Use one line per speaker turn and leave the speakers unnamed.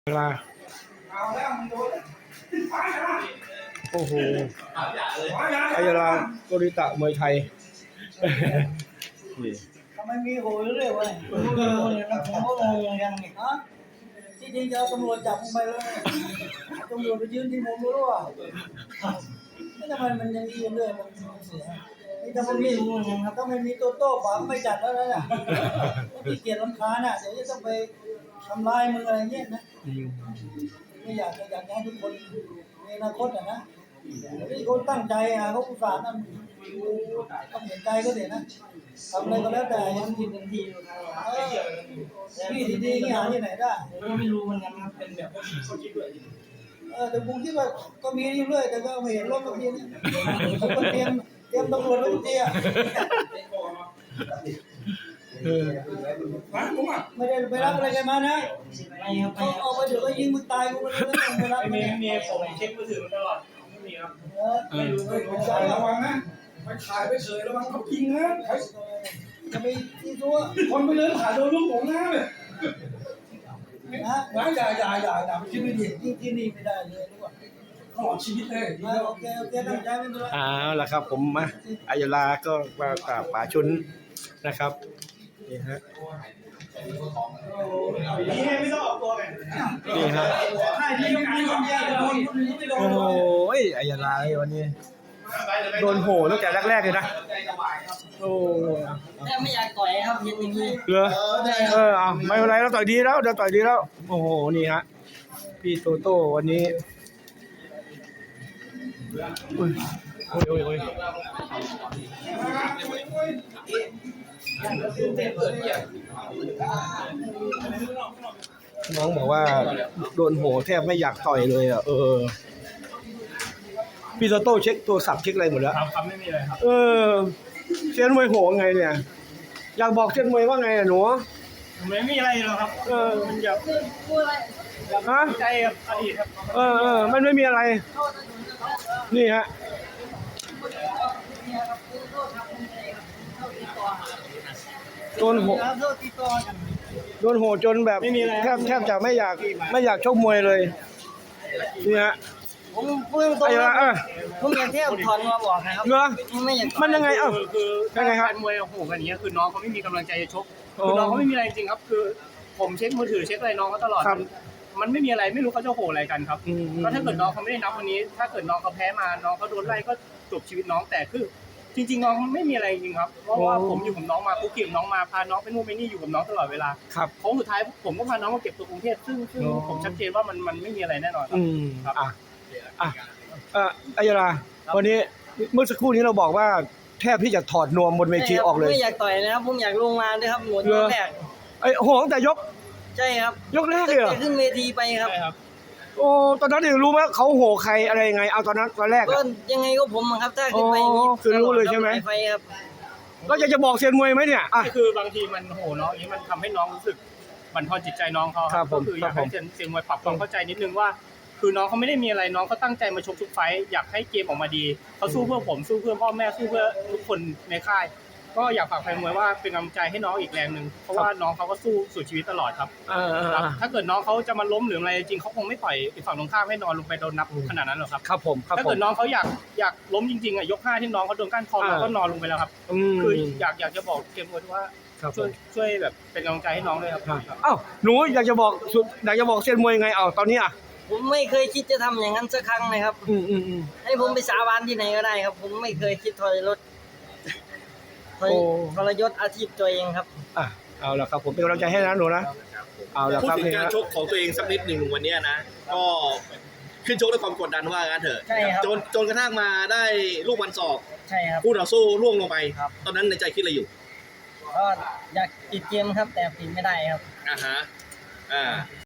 เวลาโอ้โหอายาลาโกริตะมวยไทย
ทำไมมีโหยเรื่อยวะผมก็งงยังนี่ฮะที่จริงจะเอาตำรวจจับมึงไปเลยตำรวจไปยืนที่มุมรู้ว่าไม่ทำไมมันยังยืนเรื่อยมันเสียนี่ถ้ามันมีถ้าไม่มีตัวโต้ป๋าไม่จัดแล้วนะที่เกียรติรำคาญน่ะเดี๋ยวจะต้องไปทำลายมึงอะไรเงี้ยนะไม่อยากให้ทุกคนมีอนาคตอ่ะนะที่คนตั้งใจเขาอุตส่าห์นั่นต้องเห็นใจก็เดี๋ยวนะทำอะไรก็แล้วแต่ยังผิดทันทีพี่ดีๆนี่หาที่ไหนได้ไม่รู้มันกันครับเป็นแบบแต่ผมคิดว่าก็มีเรื่อยแต่ก็ไม่เห็นรถบางทีนี่ผมก็เตรียมตำรวจไว้ทุกทีอ่ะไม่ได้ไปรับอะไรกันมานะเขาเอาไปเดี๋ยวก็ยิงมึงตายกูไม่รับไม่มีผมเช็คมือถือตลอดไม่มีครับไม่รู้ระวังนะไปถ่ายไปเฉยระวังเขายิงนะจะไปที่ตัวคนไปเดินถ่ายโดนลูกผมนะนะอย่าไปคิดไม่ดีที่นี่ไม่ได้เลยรู้ป่ะตลอดชีวิตเลยโอเคตั้งใจไม่เป็นไร
ล่ะครับผมมาอายาลาก็มากราบป๋าชุนนะครับนี่ฮะ
ไม่ต้องออกตัวไง
นี่ฮะโอ้ยอายาลาวันนี้โดนโหตั้งแต่แรกๆเลยนะโอ้
แต่ไม่อยากต่อยครับเห็นอย่างนี้
เหรอเอาไม่เป็นไรเราต่อยดีแล้วโอ้โหนี่ฮะพี่โตโต้วันนี้โอ้ยน้องบอกว่าโดนโหแทบไม่อยากต่อยเลยอ่ะพี่โตโต้เช็คตัวสับเช็คอะไรหมดแล้ว
ครับไม่มีอะไรครับ
เซียนมวยโหไงเนี่ยอยากบอกเซียนมวยว่าไงหนู
ไม่มีอะไรหรอกครับมันอยาก
ฮะ
ใจกับอดีตครับ
มันไม่มีอะไรนี่ฮะโดนโหจนแบบแทบจะไม่อยากชกมวยเลยนี่ฮะ
ผมพูดตรงๆผมอยากเที่ยวถอนมาบอกนะครับไม่อยาก
มันยังไง
คือยังไงครับมวยโอ้โหกันอย่างเงี้ยคือน้องเขาไม่มีกำลังใจจะชกคือน้องเขาไม่มีอะไรจริงครับคือผมเช็คมือถือเช็คอะไรน้องเขาตลอดมันไม่มีอะไรไม่รู้เขาจะโหอะไรกันครับก็ถ้าเกิดน้องเขาไม่ได้นับวันนี้ถ้าเกิดน้องเขาแพ้มาน้องเขาโดนไล่ก็จบชีวิตน้องแต่คือจริงๆน้องไม่มีอะไรจริงครับเพราะว่าผมอยู่กับน้องมาคุกกี้กับน้องมาพาน้องไปนู่นไปนี่อยู่กับน้องตลอดเวลาโค้งสุดท้ายผมก็พาน้องมาเก็บตัวกรุงเทพซึ่งผมชัดเจนว่ามันไม่มีอะไรแน่นอนครับ
อายาลาวันนี้เมื่อสักครู่นี้เราบอกว่าแทบที่จะถอดนวมบนเวทีออกเลย
ไม่อยากต่อยนะครับผมอยากลงมาด้วยครับหมดยกแรก
โหตั้งแต่ยก
ใช่ครับ
ยกแรกเลยเหรอ
ขึ้นเวทีไปครับ
โอ้ตอนนั้นเองรู้ไหมเขาโหใครอะไรยังไงเอาตอนแรก
ก็ยังไงก็ผมครับถ้าขึ้นไป
คือรู้เลยใช่ไหมก็จะบอกเซียนมวยไหมเนี่ย
คือบางทีมันโหน้องนี้มันทำให้น้องรู้สึกบั่นทอนจิตใจน้องเขาก็คืออยากให้เซียนมวยปรับความเข้าใจนิดนึงว่าคือน้องเขาไม่ได้มีอะไรน้องเขาตั้งใจมาชกทุกไฟต์อยากให้เกมออกมาดีเขาสู้เพื่อผมสู้เพื่อพ่อแม่สู้เพื่อทุกคนในค่ายก็อยากฝากแฟนมวยว่าเป็นกำลังใจให้น้องอีกแรงนึงเพราะว่าน้องเขาก็สู้สุดชีวิตตลอดครับถ้าเกิดน้องเขาจะมาล้มหรืออะไรจริงเขาคงไม่ปล่อยอีกฝั่งตรงข้ามให้นอนลงไปโดนนับขนาดนั้นหรอกครับ
ครับผม
ถ้าเกิดน้องเขาอยากล้มจริงๆยก5ที่น้องเขาโดนก้านคอเราก็นอนลงไปแล้วครับคืออยากจะบอกเกมมวยว่าช่วยแบบเป็นกำลังใจให้น้องด้วยครับ
หนูอยากจะบอกเซียนมวยยังไงตอนนี้
ผมไม่เคยคิดจะทำอย่างนั้นสักครั้งเลยครับให้ผมไปสาบานที่ไหนก็ได้ครับผมไม่เคยคิดทรยศอาชีพตัวเองครับ
เอาละครับผมเป็นกำลังใจให้นะหนูนะเอาละครับ
พูดถึงการชกของตัวเองสักนิดหนึ่งวันนี้นะก็ขึ้นชกด้วยความกดดันว่างั้นเถอะจนกระทั่งมาได้ลูกวันศอก
ใช่ครับ
คู่ต่อสู้ล่วงลงไปตอนนั้นในใจคิดอะไรอยู่
ก็อยากปิดเกมครับแต่ปิดไม่ได้ครับ